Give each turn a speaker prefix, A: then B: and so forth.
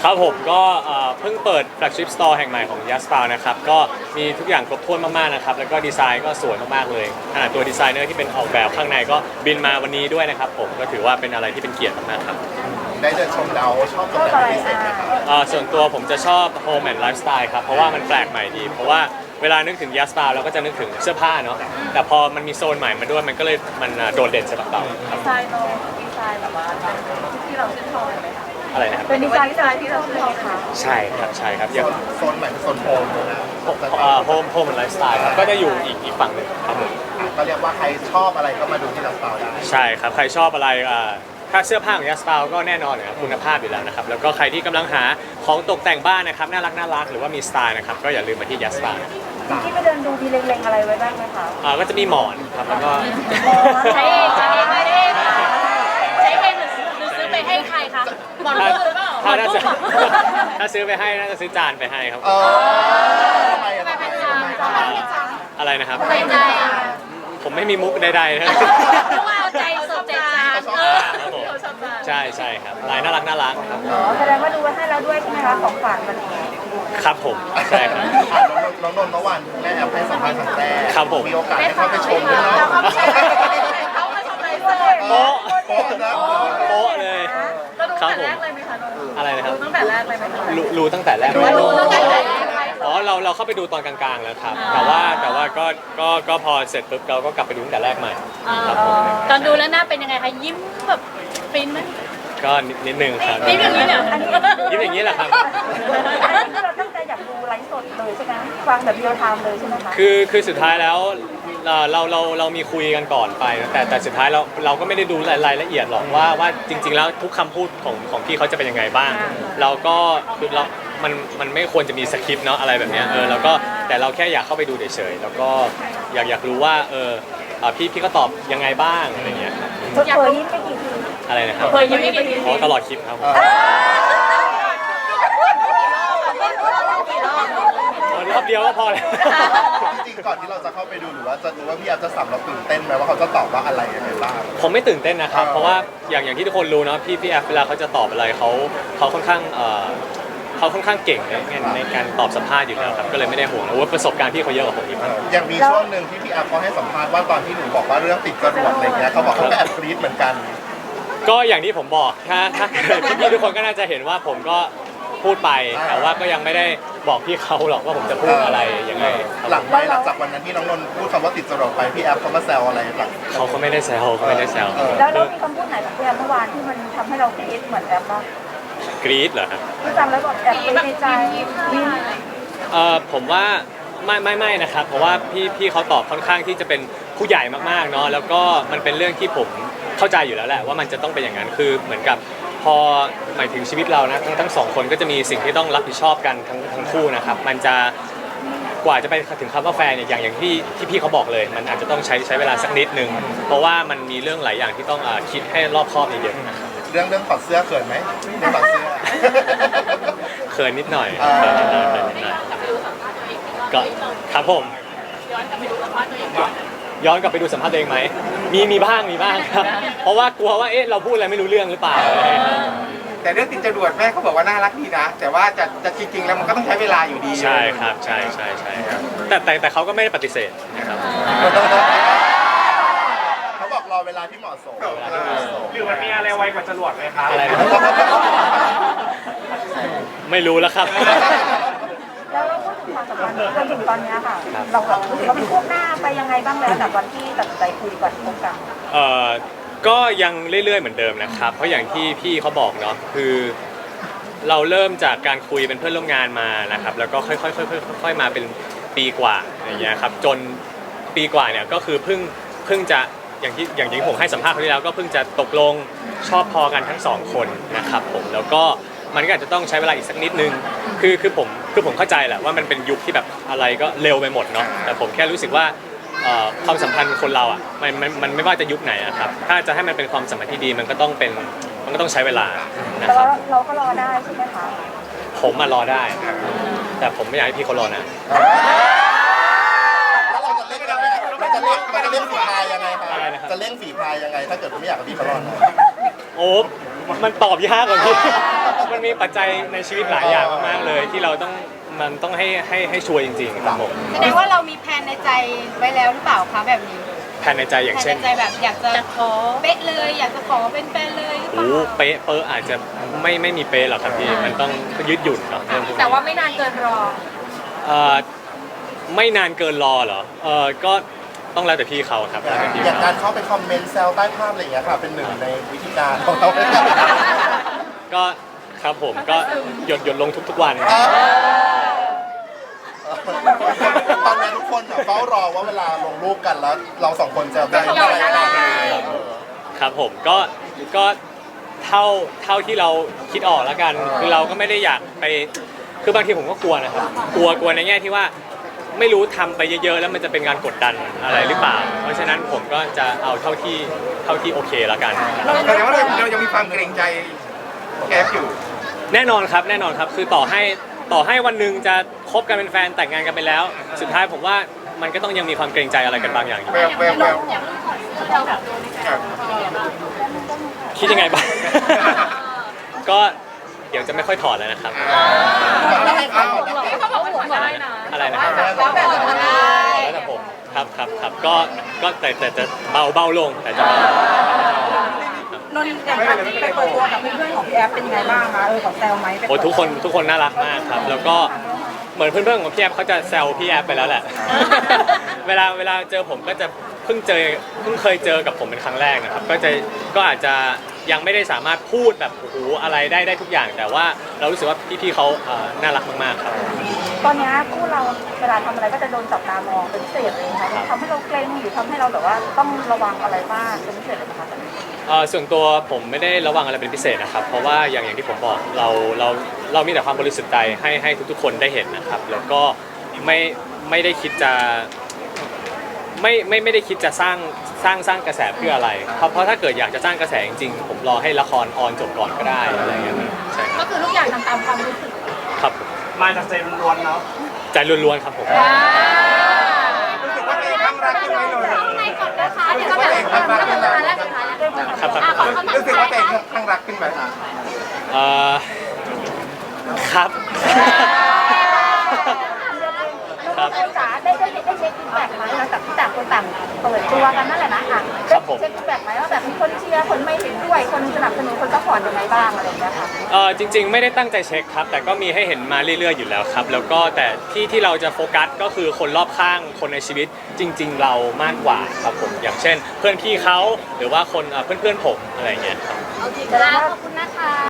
A: ครับผมก็เพิ่งเปิด flagship store แห่งใหม่ของ Yaspa นะครับก็มีทุกอย่างครบถ้วนมากๆนะครับแล้วก็ดีไซน์ก็สวยมากๆเลยขนาดตัวดีไซเนอร์ที่เป็นออกแบบข้างในก็บินมาวันนี้ด้วยนะครับผมก็ถือว่าเป็นอะไรที่เป็นเกียรติมากๆครับ
B: ได้เดินชมแล้วชอบตรงไหนเป็นพิเศษไหมครับ
A: ส่วนตัวผมจะชอบ home and lifestyle ครับเพราะว่ามันแปลกใหม่ดีเพราะว่าเวลานึกถึง Yaspa เราก็จะนึกถึงเสื้อผ้าเนาะแต่พอมันมีโซนใหม่มาด้วยมันก็เลยมันโดดเด่นสำหรับเราครับ
C: ดีไซน์แบบว่าที่เราชื่นชอบไหมคะ
A: อะไรนะครับ
C: เป็นดีไซน์ที่เราชื่นชอบค่ะ
A: ใช่ครับอย่าง
B: โซนใหม่เป็นโซนโฮมนะ
A: โฮมไลฟ์สไตล์ครับก็จะอยู่อีกฝั่งหนึ่งครับผม
B: ก็เรียกว่าใครชอบอะไรก็มาดูที่เราสตาร์ได้
A: ใช่ครับใครชอบอะไรถ้าเสื้อผ้าของยัสตาก็แน่นอนนะครับคุณภาพอยู่แล้วนะครับแล้วก็ใครที่กำลังหาของตกแต่งบ้านนะครับน่ารักหรือว่ามีสไตล์นะครับก็อย่าลืมมาที่ยัสตา
C: ที่ไปเดินดูมีเล็งๆอะไรไว้บ้างไหมคะ
A: ก็จะมีหมอนครับแล้วก็
C: ใช้เองไม่ได้ใช้เองหรือซื้อไปให้ใครคะหมอนหรือเปล่า
A: ถ้าซื้อไปให้น่าจะซื้อจานไปให้ครับอะไรนะครับผมไม่มีมุกใดๆนะ
C: ว่าเอาใจสดใจ
A: ครับผมใช่ครับลายน่ารักครับ
C: แสดงว่าดูไว้ให้แล้วด้วยใช่ไหมคะของฝากวันนี้
A: ครับผมใช่ครับ
B: น้องนนท์เมื่อวานแม่แอบให้สัมภาษณ์ครั้งแรก
A: ครับผม
B: มีโอกาสได้เข้าไปชมด้วยเนาะ
C: เขามาชมเลย
A: โป๊ะเลย
C: ครับผม
A: อะไรนะครับ
C: ตั้งแต่แรกเลยไหมคะ
A: รู้ตั้งแต่แรกเราเข้าไปดูตอนกลางๆแล้วครับแต่ว่าก็พอเสร็จปุ๊บเราก็กลับไปดูตั้งแต่แรกใหม่ครับผม
C: ตอนดูแล้วหน้าเป็นยังไงคะยิ้มแบบฟินไหม
A: ก็นิดนึงครับ
C: ยิ้มอย่างนี้เนี่ย
A: ยิ้มอย่างนี้แหละครับ
C: เราตั้งใจอยากดูไลฟ์สดเลยใช่ไหมฟังแบบเรียลไทม์เลยใช่ไหมคะ
A: คือสุดท้ายแล้วเรามีคุยกันก่อนไปแต่สุดท้ายเราก็ไม่ได้ดูรายละเอียดหรอกว่าจริงๆแล้วทุกคำพูดของพี่เขาจะเป็นยังไงบ้างเราก็คือมันไม่ควรจะมีสคริปต์เนาะอะไรแบบเนี้ยแล้วก็แต่เราแค่อยากเข้าไปดูเฉยๆแล้วก็อยากรู้ว่าพี่ก็ตอบยังไงบ้างอะไรเงี้ย
C: เคยยิ้มไปกี่ที
A: อะไรนะครับ
C: เคยยิ้มไปกี่ที
A: ตลอดคลิปครับรอบเดียวก็พอแล้ว
B: จริงก่อนที่เราจะเข้าไปดูหรือว่าจะดูว่าพี่แอฟจะสับเราตื่นเต้นไหมว่าเขาจะตอบว่าอะไรยังไงบ้าง
A: ผมไม่ตื่นเต้นนะครับเพราะว่าอย่างที่ทุกคนรู้เนาะพี่แอฟเวลาเขาจะตอบอะไรเขาค่อนข้างเก่งในการตอบสัมภาษณ์อยู่แล้วครับก็เลยไม่ได้ห่วงว่าประสบการณ์พี่เขาเยอะกว่าผมอีก
B: อย่างมีช่วงหนึ่งที่พี่แอฟเขาให้สัมภาษณ์ว่าตอนที่หนูบอกว่าเรื่องติดจรวดอะไรเงี้ยเขาบอกเขาก็แอบกรี๊ดเหมือนกัน
A: ก็อย่างที่ผมบอกถ้าพี่ทุกคนก็น่าจะเห็นว่าผมก็พูดไปแต่ว่าก็ยังไม่ได้บอกพี่เขาหรอกว่าผมจะพูดอะไรยังไง
B: หลังจากวันนั้นที่น้องนนท์พูดคำว่าติดจรวดไปพี่แอฟเขามาแซวอะไรหลัง
A: เขาก็ไม่ได้แซว
C: แล้วเรามีคำพูดไหนของพี่แอฟเมื่อวานที่มันทำให้เรากรี๊ดเหมือนแอฟบ้าง
A: กรี๊ดเหรอครับ
C: ที่จำแล้วบอกแอบในใจ
A: ผมว่าไม่นะครับเพราะว่าพี่เขาตอบค่อนข้างที่จะเป็นผู้ใหญ่มากๆเนาะแล้วก็มันเป็นเรื่องที่ผมเข้าใจอยู่แล้วแหละว่ามันจะต้องเป็นอย่างนั้นคือเหมือนกับพอหมายถึงชีวิตเรานะทั้งสองคนก็จะมีสิ่งที่ต้องรับผิดชอบกันทั้งคู่นะครับมันจะกว่าจะไปถึงคำว่าแฟนเนี่ยอย่างที่พี่เขาบอกเลยมันอาจจะต้องใช้เวลาสักนิดนึงเพราะว่ามันมีเรื่องหลายอย่างที่ต้องคิดให้รอบคอบเยอะๆนะครับ
B: เรื่องถอดเสื้อเขินไหมเรื่องถอดเสื้อ
A: เขินนิดหน่อยก็ครับผมย้อนกลับไปดูสัมภาษณ์ตัวเองไหมมีบ้างครับเพราะว่ากลัวว่าเราพูดอะไรไม่รู้เรื่องหรือเปล่า
D: แต่เรื่องติดจรวดแม่เขาบอกว่าน่ารักดีนะแต่ว่าจะจริงๆแล้วมันก็ต้องใช้เวลาอยู่ดี
A: ใช่ครับใช่ครับแต่เขาก็ไม่ได้ปฏิเสธนะครับ
B: เขาบอกรอเวลาที่เหมาะสม
D: หรือมันมีอะไรไวกว่าจรวดไหมครับ
A: อะไรไม่รู้แล้วครับ
C: แล้วเราพูดถึงความสัมพันธ์จนถึงตอนนี้ค่ะเรามีพวกหน้าไปยังไงบ้างแล้วจากวันที่ตัดใจคุยก่อนที่พบกัน
A: ก็ยังเรื่อยๆเหมือนเดิมนะครับเพราะอย่างที่พี่เขาบอกเนาะคือเราเริ่มจากการคุยเป็นเพื่อนร่วมงานมานะครับแล้วก็ค่อยๆมาเป็นปีกว่าอย่างเงี้ยครับจนปีกว่าเนี่ยก็คือเพิ่งจะอย่างที่ผมให้สัมภาษณ์ครั้งที่แล้วก็เพิ่งจะตกลงชอบพอกันทั้งสองคนนะครับผมแล้วก็มันก็อาจจะต้องใช้เวลาอีกสักนิดนึงคือผมเข้าใจแหละว่ามันเป็นยุคที่แบบอะไรก็เร็วไปหมดเนาะแต่ผมแค่รู้สึกว่าความสัมพันธ์คนเราอ่ะมันไม่ว่าจะยุคไหนอะครับถ้าจะให้มันเป็นความสัมพันธ์ที่ดีมันก็ต้องใช้เวลานะครับ
C: เราก็รอได้ใช่ไหมคะ
A: ผมมารอได้แต่ผมไม่อยากให้พี่เขารอนะ
B: แล้วเราจะเล่นฝีพายยังไงครับจะเล่นฝีพายยังไงถ้าเกิดไม่อยากให้พี่เขารอนะ
A: โอ้มันตอบยากกว่าพี่มันมีปัจจัยในชีวิตหลายอย่างมากๆเลยที่เราต้องให้ชัวร์จริงๆครับผม
E: แสดงว่าเรามีแผนในใจไว้แล้วหรือเปล่าคะแบบนี้
A: แผนในใจอย่าง
E: แผน
A: เช่น
E: ในใจแบบอยากจะขอเป๊ะเลยอยากจะขอเป็นแฟนเลยหรือเป
A: โอ้
E: ล่า
A: เป๊ะเปอร์อาจจะไม่มีเป๊ะหรอกครับพี่มันต้องยืดหยุ่นเนาะเรื่องพวกนี้
E: แต่ว่าไม่นานเกินรอ
A: เอ่อไม่นานเกินรอเหรอก็ต้องแล้วแต่พี่เขาครับแล้วแต่พี่
B: อย่าง
A: เขา
B: การเข้าไปคอมเมนต์แซวใต้ภาพอะไรอย่างเงี้ยค่ะเป็นหนึ่งในวิธีการของเรา
A: ก็ครับผมก็หยดลงทุกๆวัน
B: ตอนนี้ทุกคนเฝ้ารอว่าเวลาลงรูปกันแล้วเราสองคนจะได้อะไรกัน
A: ครับผมก็เท่าที่เราคิดออกแล้วกันคือเราก็ไม่ได้อยากไปคือบางทีผมก็กลัวนะครับกลัวในแง่ที่ว่าไม่รู้ทำไปเยอะๆแล้วมันจะเป็นการกดดันอะไรหรือเปล่า เพราะฉะนั้นผมก็จะเอาเท่าที่โอเคแล้วกัน
D: แสดงว่าเรายังมีความเกรงใจแก๊ปอยู่
A: แน่นอนครับคือต่อให้วันหนึ่งจะคบกันเป็นแฟนแต่งงานกันไปแล้ว สุดท้ายผมว่ามันก็ต้องยังมีความเกรงใจอะไรกันบางอย่างอยู่
D: แววครับ
A: คิดยังไงบ้าง ก็เดี๋ยวจะไม่ค่อยถอดแล้วนะครับ
E: เขาบอกว่าหัวได้นะ
A: อะไรนะครับ
E: แล้วแบบได้
A: แล้วแต่ผมครับก็แต่จะเบาลงแต่จะเบา
C: นนท์อย่างการไปเปิดตัวกับเพื่อนๆของพี่แอฟเป็นยังไงบ้างคะของแซวไหม
A: โอ้ทุกคนน่ารักมากครับ แล้วก็เหมือนเพื่อนๆของพี่แอฟเขาจะแซวพี่แอฟไปแล้วแหละ เวลาเจอผมก็จะเพิ่งเคยเจอกับผมเป็นครั้งแรกนะครับก็อาจจะยังไม่ได้สามารถพูดแบบโอ้โหอะไรได้ทุกอย่าง แต่ว่าเรารู้สึกว่าพี่ๆเขาน่ารักมากๆครับ
C: ตอนนี้คู่เราเวลาทำอะไรก็จะโดนจับตามองเป็นพิเศษเลยนะคะทำให้เราเกรงหรือทำให้เราแบบว่าต้องระวังอะไรบ้างเป็นพิเศษเลยไหมคะ
A: ส่วนตัวผมไม่ได้ระวังอะไรเป็นพิเศษนะครับ เพราะว่าอย่างที่ผมบอกเรามีแต่ความบริสุทธิ์ใจให้ทุกๆคนได้เห็นนะครับ แล้วก็ไม่ได้คิดจะไม่ได้คิดจะสร้างกระแสเพื่ออะไร เพราะถ้าเกิดอยากจะสร้างกระแสจริงๆผมรอให้ละครออนจบก่อนก็ได้อะไรอย่างเงี้ยใช่
E: ก็คือทุกอย่างทำตามความรู้สึก
A: ครับ
F: มาจากใจล้วนๆเนาะ
A: ใจล้วนๆครับผม
D: รู้สึกว่าตัวเองข้างรักขึ้นไหมนนท์
E: ในก่อนนะคะเดี๋ยวก็แบบสุดท้ายแล้วสุดท้ายแล้ว
A: ครับ
E: ขอคำถาม
D: รู้สึกว่าตัวเองข้างรักขึ้นไหม
A: เอ่อครับ
C: เราก็จ๋าได้เช็คฟีดแบ็กไหมหลังจากที่ต่างคนต่างเปิดตัวกันนั่นแหละนะค่ะได้เช็คฟีดแบ็กไหมว่าแบบมีคนเชียร์คนไม่เห็นด้วยคนสนับสนุนคนซัพพอร์ตยังไงบ้างอะไรอย่างเงี้ยค่ะ
A: จริงๆไม่ได้ตั้งใจเช็คครับ แต่ก็มีให้เห็นมาเรื่อยๆอยู่แล้วครับ แล้วก็แต่ที่เราจะโฟกัสก็คือคนรอบข้างคนในชีวิตจริง ๆ เรามากกว่าครับผมอย่างเช่น เพื่อนพี่เขาหรือว่าคนเพื่อนๆผมอะไรอย่างเงี้ยครับ
E: โอเคครับขอบคุณนะคะ